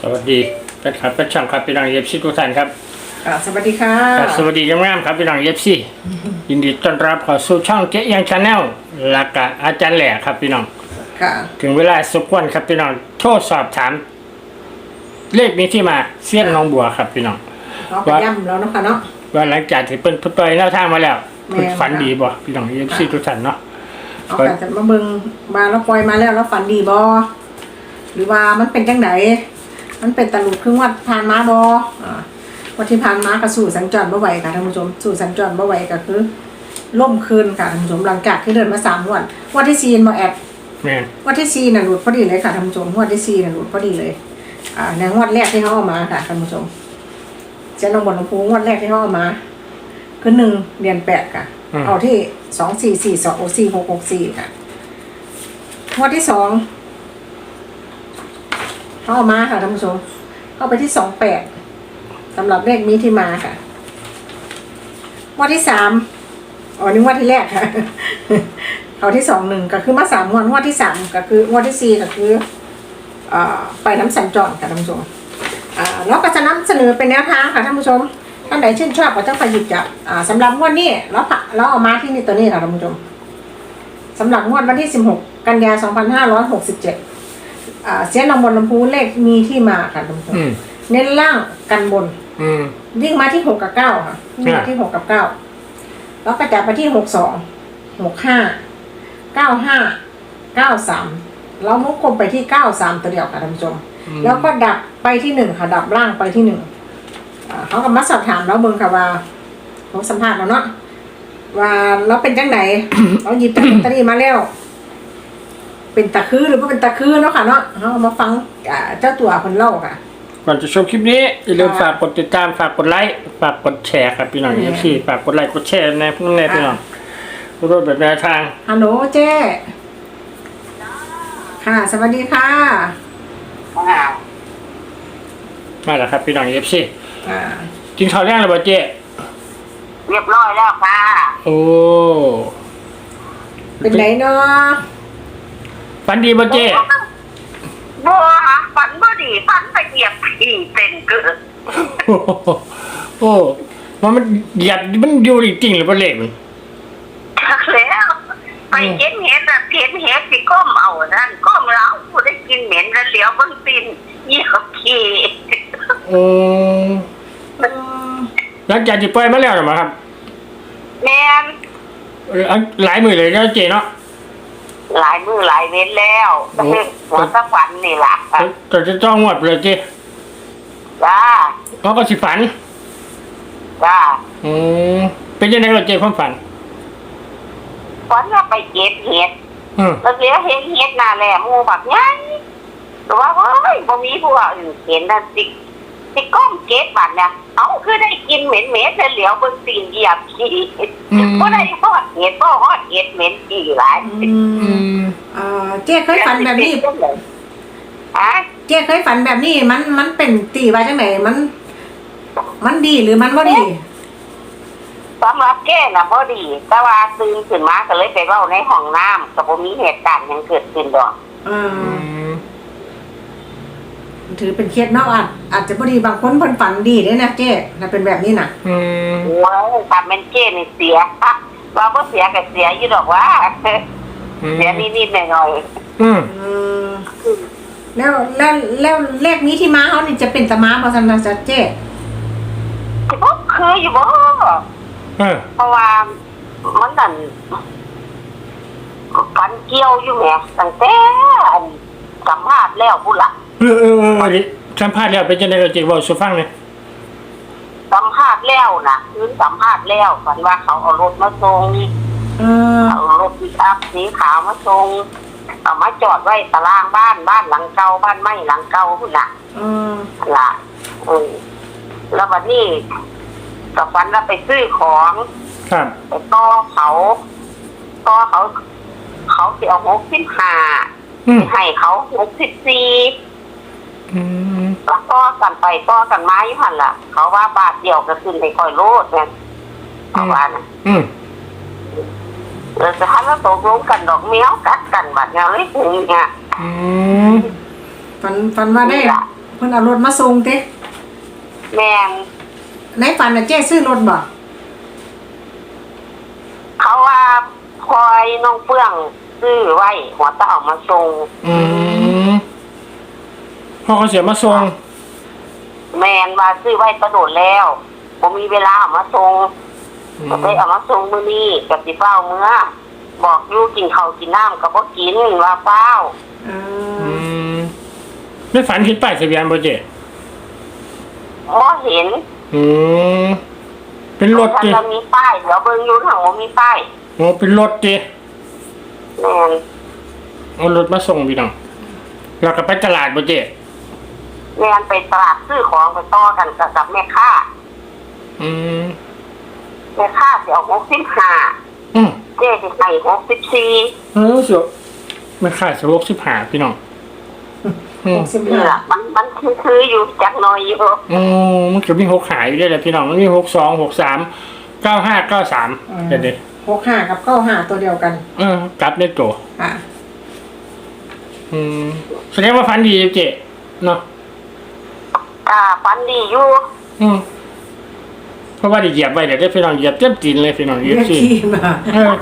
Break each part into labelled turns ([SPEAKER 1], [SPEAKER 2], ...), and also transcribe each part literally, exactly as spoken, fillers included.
[SPEAKER 1] สวัสดีแฟนคลับแฟนช่างครับพี่น้องเอฟซีทุกท่านครับ
[SPEAKER 2] สวัสดีค่ะ
[SPEAKER 1] สวัสดีงามๆครับพี่น้องเอฟซียินดีต้อนรับเข้าสู่ช่องเจ๊ยังชาแนลและก็อาจารย์แหล่ครับพี่น้อง
[SPEAKER 2] ค่ะ
[SPEAKER 1] ถึงเวลาสมควรครับพี่น้องโทรสอบถามเลขนี้ที่มาเสี้ยนน้องบัวครับพี่น้อง
[SPEAKER 2] เราไปย่ำแล้วเนาะค่ะเนาะ
[SPEAKER 1] ว่าหลังจากที่เพิ่นปล่อยแนวทางมาแล้วเพิ่นฝันดีบ่พี่น้องเอฟซีทุกท่านเนาะ
[SPEAKER 2] เอาแต่จะมาเบิ่งมาแล้วปล่อยมาแล้วแล้วฝันดีบ่หรือว่ามันเป็นจังไดมันเป็นตะลุกครึ่งวัดผ่านมาบ่อ่าวันที่ผ่านมาก็สู่สัญจรบ่ไหวค่ะท่านผู้ชมสู่สัญจรบ่ไหวก็คือล่มคืนค่ะท่านผู้ชมหลังจากที่เดินมาสามวันวันที่สี่บ่แอด
[SPEAKER 1] แม่น
[SPEAKER 2] วันที่สี่น่ะหลุดพอดีเลยค่ะท่านผู้ชมวันที่สี่น่ะหลุดพอดีเลยอ่าในงวดแรกที่เฮาเอามาค่ะท่านผู้ชมเจ้าน้องบนลำพูงวดแรกที่เฮาเอามาคือหนึ่งเดือนแปดค่ะเอาที่สองสี่สี่สองสี่หกหกสี่ค่ะงวดที่สองเข้ามาค่ะท่านผู้ชมเข้าไปที่สองแปดสำหรับเลขนี้ที่มาค่ะงวดที่สามอ๋อนี่งวดที่แรกค่ะเอาที่สองหนึ่งก็คือมาสามงวดงวดที่สามก็คืองวดที่สี่ก็คืออ่าไปน้ำสัญจรค่ะท่านผู้ชมอ่าแล้วก็จะนำเสนอเป็นแนวทางค่ะท่านผู้ชมท่านไหนชื่นชอบก็ต้องไปหยิบจับอ่าสำหรับงวดนี้แล้วเราเอามาที่นี่ตัวนี้ค่ะท่านผู้ชมสำหรับงวดวันที่สิบหกกันยายนสองพันห้าร้อยหกสิบเจ็ดอ่าเสียงนำบนลำพูเลขมีที่มาค่ะท่านผู้ชมเน้นล่างกันบนวิ่งมาที่หกกับเก้าค่ะวิ่งมาที่หกกับเก้าแล้วก็จับไปที่หกสองหกห้าเก้าห้าเก้าสามแล้วมุกคมไปที่เก้าสามตัวเดียวค่ะท่านผู้ชมแล้วก็ดับไปที่หนึ่งค่ะดับล่างไปที่หนึ่งเขาก็มาสอบถามแล้วเบิ่งค่ะว่าเขาสัมภาษณ์เราเนาะว่าเราเป็นจังไหน เราหยิบจากลอตเตอรี่มาแล้วเป็นตะคือหรือว่าเป็นตะคือเนาะค่ะเนาะเขามาฟังเจ้าตัวคนเล่าค่ะ
[SPEAKER 1] ก่อนจะชมคลิปนี้อย่าลืมฝากกดติดตามฝากกดไลค์ฝากกดแชร์ครับพี่น้องเอฟซีฝากกดไลค์กดแชร์ในพวกนี้พี่น้องรูปแบบแนวทาง
[SPEAKER 2] ฮัลโหลเจ้ค่ะสวัสดีค่ะ
[SPEAKER 1] มาแล้วครับพี่น้องเอฟซีกินข้าวแรงหรือเปล่าเจ๊
[SPEAKER 3] เรียบร้อยแล้วค่ะ
[SPEAKER 1] โอ้
[SPEAKER 2] เป็นไหนเนาะ
[SPEAKER 1] ฝันดีป่ะเจ๊
[SPEAKER 3] บัวฝันบ่ดีฝันไปเหยียบขี่เป็นเกิด
[SPEAKER 1] โอ้มันมันหยัดมันอยู่จริงๆหรือเปล่าเล็กมัน
[SPEAKER 3] แล้วไปเห็นเห็ดอะเห็นเห็ดที่ก้มเอานั่นก้มแล้วกูได้กินเหม็นแล้วเหลียวบนตีนเหยียบขี่
[SPEAKER 1] โอ้หลังจากที่ปล่อยมาแล้วหรือเปล่าครับ
[SPEAKER 3] แม่น
[SPEAKER 1] หลายมือเลยนะเจ๊เนาะ
[SPEAKER 3] หลายมือหลายเว้นแล้วหัวสักวันนี่แหละ
[SPEAKER 1] แต่จะจ้องหมดเลยเจ๊
[SPEAKER 3] จ้า
[SPEAKER 1] เขาก็สิฝัน
[SPEAKER 3] จ้า
[SPEAKER 1] อืมเป็นยังไงเราเจ๊ความฝัน
[SPEAKER 3] ฝันว่าไปเก็บเห็ดแล้วเดี๋ยวเห็นเห็ดน่าแหละมูแบบนี้แต่ว่าเฮ้ยพอมีพวกอื่นเห็นนั่นติติก้มเก็บบัตรเนี่ยเอาคือได้กินเหม็นเหม็นเหลียวบนตีนเหยียบขี้ก็ได้ทอดเห็ดก็ทอดเห็ดเหม็นขี้หลาย
[SPEAKER 2] อ่าเจ๊เคยฝันแบบนี้
[SPEAKER 3] ฮะ
[SPEAKER 2] เจ๊เคยฝันแบบนี้มันมันเป็นตีว่าจังไหนมันมันดีหรือมันไม่ดี
[SPEAKER 3] สำหรับแก่น่ะบ่ดีแต่ว่าตื่นขึ้นมาก็เลยไปเว้าในห้องน้ำก็บ่มีเหตุการณ์ยังเกิดขึ้นดอก
[SPEAKER 2] อืมถือเป็นเคสเนาะอาจอาจจะบ่ดีบางคนเพิ่นฝันดีได้นะเจ๊น่ะเป็นแบบนี้น่ะ
[SPEAKER 1] อืม
[SPEAKER 3] โอ้ยถ้าเป็นเจ๊นี่เสียว่าบ่เสียก็เสียอยู่ดอกว่าเสียนิดๆหน่อย
[SPEAKER 1] ๆอืม
[SPEAKER 2] แล้วแล้วแล้วเลขนี้ที่มาเฮานี่จะเป็นตะมาบ่ซั่นน่ะจ๊ะเจ๊
[SPEAKER 3] บ่คืออยู่บ่เพราะว่ามันนั่นฝันเกี่ยวอยู่แหมตั้งแต่สัมภาษณ์แล้วพุ่นล่ะ
[SPEAKER 1] เออเออเออสัมภาษณ์แล้วเป็นจังได๋เราจิเว้าสู่ฟังหน่อย
[SPEAKER 3] สัมภาษณ์แล้วน่ะคือสัมภาษณ์แล้วฝันว่าเขาเอารถมาส่ง
[SPEAKER 2] เออ
[SPEAKER 3] เอารถปิกอัพสีขาวมาส่งเอามาจอดไว้ตารางบ้านบ้านหลังเก่าบ้านไม้หลังเก่าพุ่นน่ะ
[SPEAKER 2] อือ
[SPEAKER 3] ล่ะเออแล้วบัดนี้กับฝันว่าไปซื้อของ
[SPEAKER 1] ครับ
[SPEAKER 3] ไปต่อเขาต่อเขาเขาสิเอาหกสิบห้าให้เขาหกสิบสี่ต่อกันไปต่อกันมาอยู่หั่นล่ะเขาว่าบาทเดียวก็ขึ้นไปค่อยโลดแม่นเอาว่าน่ะ
[SPEAKER 1] อืม
[SPEAKER 3] แล้วจะหาแล้วตกลงกันดอกแมวกัดกันบัดแนวเลยเนี่ย
[SPEAKER 2] อืมฝันฝันว่าได้พิ่นเอารถมาส่งเต้
[SPEAKER 3] แม่น
[SPEAKER 2] ในฝันน่ะเจ๊ซื้อรถบ่
[SPEAKER 3] เขาว่าคอยน้องเฟื่องซื้อไว้หัวตาเอามาส่ง
[SPEAKER 1] อืมพ่อเขาเสียมาส่ง
[SPEAKER 3] แมนว่าซื้อไว้กระโดดแล้วผมมีเวลาเอามาส่ง
[SPEAKER 1] อืม
[SPEAKER 3] ก็เลยเอามาส่งมื้อนี้กับสิเฝ้าเมื่อบอกอยู่กินข้าวกินน้ำก็บ่กินว่าเฝ้า
[SPEAKER 2] อื
[SPEAKER 1] อื
[SPEAKER 2] ม
[SPEAKER 1] มไม่ฝันเห็นป้ายทะเบียนบ่เจ๊
[SPEAKER 3] บ่เห็น
[SPEAKER 1] อืมเป็นรถ
[SPEAKER 3] ถ้า
[SPEAKER 1] ดิ
[SPEAKER 3] จะมีป้ายเดี๋ยวเบิ่งอยู่ทางบ่มีป้าย
[SPEAKER 1] โอ้เป็นรถดิ
[SPEAKER 3] แม่น
[SPEAKER 1] เอารถมาส่งพี่น้องแล้วก็ไปตลาดบ่เจ๊
[SPEAKER 3] แม่นไปตลาดซื้อของไปต่อกันกับกับแม่ค้า
[SPEAKER 1] อืม
[SPEAKER 3] แม่ค้าสิเอาหกสิบห้า
[SPEAKER 1] อืม
[SPEAKER 3] เจ๊สิให้หกสิบสี่
[SPEAKER 1] เออเสียไม่ขายสโลกสิบหาพี่น้องอืม
[SPEAKER 2] หกสิบ
[SPEAKER 3] นี่
[SPEAKER 2] ห้า
[SPEAKER 3] ล่ะมันมันคือคืออยู่จักหน่อยอยู่
[SPEAKER 1] อืมมันจะมีหกขายอยู่ด้วยแหละพี่น้องมันมีหกสองหกสามเก้าห้าเก้าสามเด็ดเด็ด
[SPEAKER 2] หกห้ากับเก้าห้าตัวเดียวกัน
[SPEAKER 1] เออกลับได้ตัว
[SPEAKER 2] อ่ะ
[SPEAKER 1] อืมแสดงว่าฟันดีเจ๊เนาะ
[SPEAKER 3] อ่าฝันดีอยู่
[SPEAKER 1] อืมเพราะว่าได้เหยียบไปเดี๋ยวได้พี่น้องเหยียบเต็มตีนเลยพี่น้องเหยียบ
[SPEAKER 2] เหยียบ
[SPEAKER 1] สิ
[SPEAKER 2] ขี้มา
[SPEAKER 1] เออ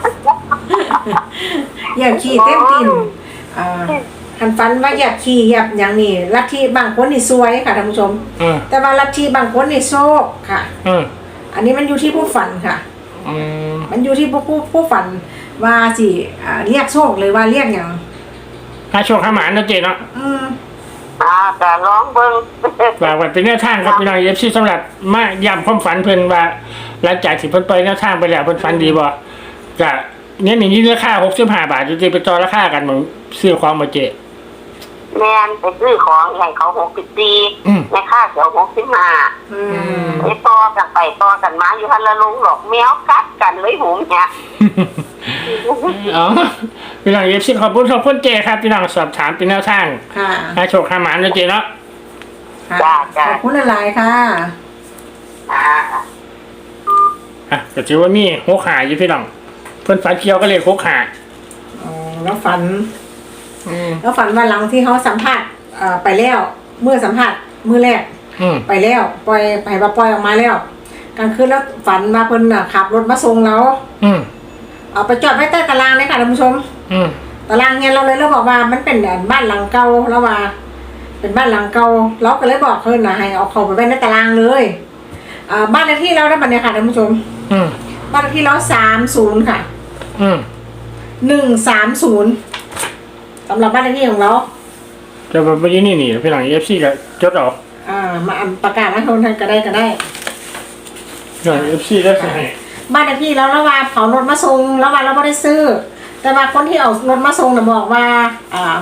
[SPEAKER 2] เหยียบขี้เต็มตีนอ่าหันฟันว่าเหยียบขี้เหยียบอย่างนี้ลัทธิบางคนนี่ซวยค่ะท่านผู้ชม
[SPEAKER 1] เออ
[SPEAKER 2] แต่ว่าลัทธิบางคนนี่โชคค่ะ
[SPEAKER 1] เออ
[SPEAKER 2] อันนี้มันอยู่ที่ผู้ฝันค่ะ
[SPEAKER 1] อืม
[SPEAKER 2] มันอยู่ที่ผู้ผู้ผู้ฝันว่าสิอ่าเรียกโชคเลยว่าเรียกอย่าง
[SPEAKER 1] ถ้าโชคข้าหมานนะเจ๊เนาะ
[SPEAKER 2] อืม
[SPEAKER 3] อ่าก็ร้องเบิ่ง
[SPEAKER 1] ฝากไว้เป็นแนวทางครับพี่น้องเอฟซีสำหรับมาย้ำความฝันเพิ่นว่าหลังจากที่เพิ่นไปแนวทางไปแล้วเพิ่นฝันดีบ่ก็เนี่ยอย่างนี้ราคาหกสิบห้าบาทจะไปต่อราคากันเหมือนซื้อของมาเจ๊
[SPEAKER 3] แม่นไปซื้อของให้เขาหกสิบสี่
[SPEAKER 1] อืม
[SPEAKER 3] แม่ค่าเสียวหกสิบห้า
[SPEAKER 2] อืม
[SPEAKER 3] ไปต่อกันไปต่อกันมาอยู่ทันละลงหรอกแมวกัดกันเลยหูเนี่ย
[SPEAKER 1] อ๋อพี่น้องเอฟซีขอบคุณขอบคุณเจครับพี่น้องสอบถามเป็นแนวทาง
[SPEAKER 2] ค่ะ
[SPEAKER 1] อาโชคข้าหมานนะเจเนาะ
[SPEAKER 2] ค่ะ
[SPEAKER 3] จ้าจ้า
[SPEAKER 2] ขอบคุณหลายๆค่ะ
[SPEAKER 3] อ่า
[SPEAKER 1] อ่ะก็ถือว่ามีหกหาอยู่พี่น้องเพิ่นฝันเกี่ยวก็เลยหกหา
[SPEAKER 2] อ๋อแล้วฝัน
[SPEAKER 1] อืม
[SPEAKER 2] แล้วฝันว่าหลังที่เขาสัมภาษณ์เอ่อไปแล้วเมื่อสัมภาษณ์มือแรก
[SPEAKER 1] อืม
[SPEAKER 2] ไปแล้วปล่อยไปว่าปล่อยออกมาแล้วกลางคืนแล้วฝันว่าเพิ่นน่ะขับรถมาส่งเรา
[SPEAKER 1] อืม
[SPEAKER 2] เอาไปจอดไว้ใต้ตารางเลยค่ะท่านผู้ชม
[SPEAKER 1] อืม
[SPEAKER 2] ตารางเนี่ยเราเลยเราบอกว่ามันเป็นบ้านหลังเก่าแล้วว่า เป็นบ้านหลังเก่าเราก็เลยบอกเพิ่นนะให้เอาเข้าไปไว้ในตารางเลยอ่าบ้านเลขที่เราได้บัดเนี่ยค่ะท่านผู้ชม
[SPEAKER 1] อืม
[SPEAKER 2] บ้านเลขที่เราสามศูนย์ค่ะ
[SPEAKER 1] อืม
[SPEAKER 2] หนึ่งสามศูนย์สำหรับบ้านเลขที่ของเรา
[SPEAKER 1] จะมาไปยี่นี่นี่พี่น้องเอฟซีก็จดออก
[SPEAKER 2] อ่ามาอ่านประกาศให้คนทางก็ได้ก็ได้
[SPEAKER 1] พี่น้องเอฟซีได้สิให้
[SPEAKER 2] บ้านเลขที่เราแล้วว่าเผารถมาส่งแล้วว่าเราไม่ได้ซื้อ แต่ว่าคนที่เอารถมาส่งน่ะบอกว่า อ่า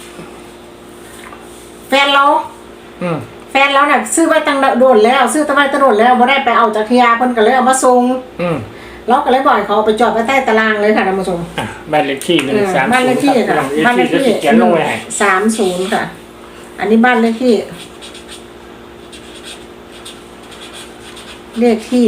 [SPEAKER 2] แฟนเรา
[SPEAKER 1] อืม
[SPEAKER 2] แฟนเราเนี่ยซื้อไว้ตั้งโดนแล้ว ซื้อตั้งไว้ตั้งโดนแล้วไม่ได้ไปเอาจากทียาเพิ่นก็เลยเอามาส่ง
[SPEAKER 1] อืม
[SPEAKER 2] เราก็เลยบ่อยเขาเอาไปจอดไว้ใต้ตารางเลยค่ะท่านผู้ชม
[SPEAKER 1] อ่ะบ้านเลขที่หนึ่ง
[SPEAKER 2] เออ
[SPEAKER 1] สาม
[SPEAKER 2] บ้านเลขที่
[SPEAKER 1] พี่
[SPEAKER 2] ค่ะ
[SPEAKER 1] น้องเอฟ
[SPEAKER 2] บ้านเล
[SPEAKER 1] ซี
[SPEAKER 2] ข
[SPEAKER 1] จะ
[SPEAKER 2] ที่
[SPEAKER 1] เขียนลงไว้ให้
[SPEAKER 2] สามศูนย์ค่ะ อันนี้บ้านเลขที่ เลขที่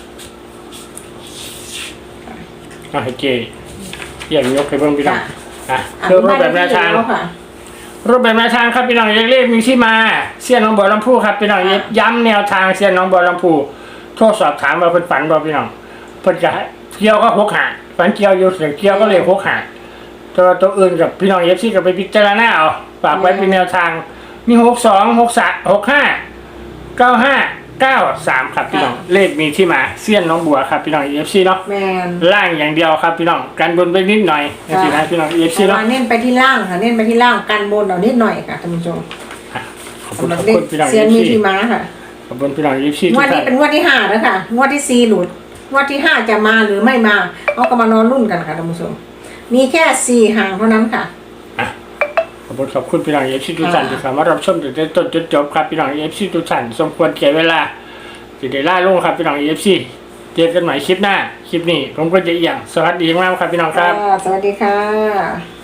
[SPEAKER 1] เอาให้เจอย่างยกให้เบิ่งพี่น้อง
[SPEAKER 2] ค่ะ
[SPEAKER 1] อ่ะ
[SPEAKER 2] อัน
[SPEAKER 1] เพื่อ
[SPEAKER 2] นี้
[SPEAKER 1] รูป
[SPEAKER 2] บ้าน
[SPEAKER 1] แบ
[SPEAKER 2] เล
[SPEAKER 1] บแน
[SPEAKER 2] ข
[SPEAKER 1] ว
[SPEAKER 2] ที่
[SPEAKER 1] ทาง
[SPEAKER 2] แล้วค่ะ
[SPEAKER 1] รูปแบบแนวทางครับพี่น้องเลขมีที่มาเสี้ยนน้องบัวลำพูครับพี่น้องย้ำแนวทางเสี้ยนน้องบัวลำพูโทรสอบถามว่าเพิ่นฝันบ่พี่น้องเพิ่นจะให้เกี่ยวก็หกหาฝันเกี่ยวอยู่เสียงเกี่ยวก็เลยหกหาตัวตัวอื่นกับพี่น้องเอฟซีก็ไปพิจารณาเอาฝากไว้เป็นแนวทางมีหกสองหกสามหกห้าเก้าห้าเก้าสามครับพี่น้องเลขมีที่มาเสี้ยนน้องบัวครับพี่น้องเอฟซีเนาะ
[SPEAKER 2] แมน
[SPEAKER 1] ล่างอย่างเดียวครับพี่น้องกันบนไปนิดหน่อยนะพี่นะพี่น้องเอฟซี
[SPEAKER 2] แต่
[SPEAKER 1] เนาะ
[SPEAKER 2] ว่าเน้นไปที่ล่างค่ะ เน้นไปที่ล่างกันบนเอานิดหน่อยค่ะท่านผู้ชม
[SPEAKER 1] ขอบคุณ
[SPEAKER 2] สำหรั
[SPEAKER 1] ข
[SPEAKER 2] บ
[SPEAKER 1] อบ
[SPEAKER 2] เลข
[SPEAKER 1] คุณพี่น้อง
[SPEAKER 2] เซียน
[SPEAKER 1] เอฟ
[SPEAKER 2] มี
[SPEAKER 1] ซี
[SPEAKER 2] ที่ม้าค่ะ
[SPEAKER 1] ขอบคุณพี่น้องเอฟซี
[SPEAKER 2] ง
[SPEAKER 1] ทุ
[SPEAKER 2] ว
[SPEAKER 1] ก
[SPEAKER 2] ด
[SPEAKER 1] ท่า
[SPEAKER 2] นี้
[SPEAKER 1] น
[SPEAKER 2] เป็นงวดที่ห้าแล้วค่ะงวดที่สี่หลุดงวดที่ห้าจะมาหรือไม่มาเอาก็มานอนรุ่นกันค่ะท่านผู้ชม มีแค่สี่หางเท่านั้นค่ะ
[SPEAKER 1] อ่ะขอบคุณขอบคุณพี่น้องเอฟซีทุกท่านที่เข้ามารับชมตั้งแต่ต้นจนจบครับพี่น้องเอฟซีทุกท่านสมควรเก็บเวลาจะได้ล่าลงครับพี่น้องเอฟซีเจอกันใหม่คลิปหน้าคลิปนี้ผมก็จะเอียงสวัสดีมากครับพี่น้องครับ
[SPEAKER 2] อ่าสวัสดีค่ะ